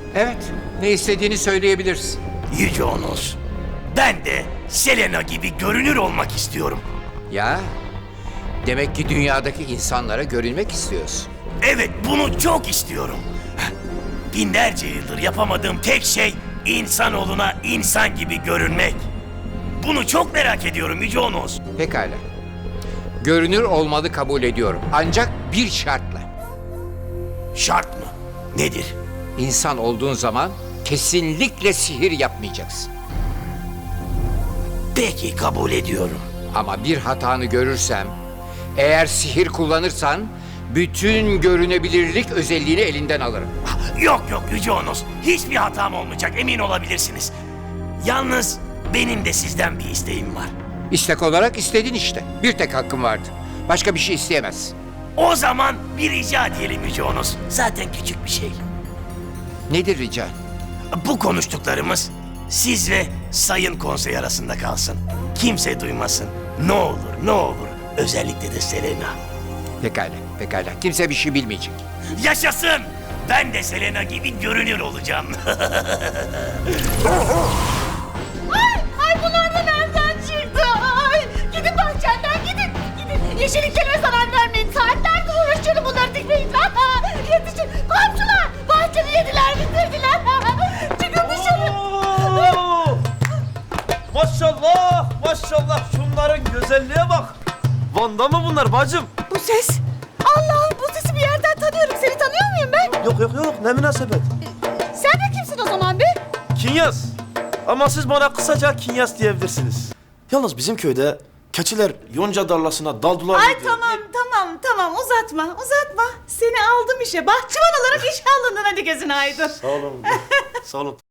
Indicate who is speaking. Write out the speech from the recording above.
Speaker 1: Evet, ne istediğini söyleyebilirsin.
Speaker 2: Yüce Onos, ben de Selena gibi görünür olmak istiyorum.
Speaker 1: Ya, demek ki dünyadaki insanlara görünmek istiyorsun.
Speaker 2: Evet, bunu çok istiyorum. Binlerce yıldır yapamadığım tek şey insanoğluna insan gibi görünmek. Bunu çok merak ediyorum Yüce Onos.
Speaker 1: Pekala. Görünür olmalı kabul ediyorum. Ancak bir şartla.
Speaker 2: Şart mı? Nedir?
Speaker 1: İnsan olduğun zaman kesinlikle sihir yapmayacaksın.
Speaker 2: Peki, kabul ediyorum.
Speaker 1: Ama bir hatanı görürsem, eğer sihir kullanırsan bütün görünebilirlik özelliğini elinden alırım.
Speaker 2: Yok Yüce Onos, hiçbir hatam olmayacak, emin olabilirsiniz. Yalnız benim de sizden bir isteğim var.
Speaker 1: İstek olarak istedin işte. Bir tek hakkın vardı. Başka bir şey isteyemezsin.
Speaker 2: O zaman bir rica diyelim Yüce Onos. Zaten küçük bir şey.
Speaker 1: Nedir rica?
Speaker 2: Bu konuştuklarımız siz ve Sayın Konsey arasında kalsın. Kimse duymasın. Ne olur. Özellikle de Selena.
Speaker 1: Pekala. Kimse bir şey bilmeyecek.
Speaker 2: Yaşasın! Ben de Selena gibi görünür olacağım.
Speaker 3: Ay bunlar da nereden çıktı? Ay gidin bahçenden gidin. Yeşilliklere zarar vermeyin. Saatlerdir uğraşıyorum bunları dikmeyin. Yetişin. Komşular bahçemi yediler bitirdiler. Çıkın dışarı.
Speaker 4: Oo! Maşallah şunların güzelliğe bak. Van'da mı bunlar bacım?
Speaker 3: Bu ses. Allah'ım bu sesi bir yerden tanıyorum. Seni tanıyor muyum ben?
Speaker 4: Yok ne münasebet.
Speaker 3: Sen de kimsin o zaman be?
Speaker 4: Kinyas. Ama siz bana kısaca Kinyas diyebilirsiniz. Yalnız bizim köyde keçiler yonca darlasına daldılar.
Speaker 3: Ay tamam uzatma. Seni aldım işe. Bahçıvan olarak işe alındın, hadi gözün aydın.
Speaker 4: Sağ olun. Sağ olun.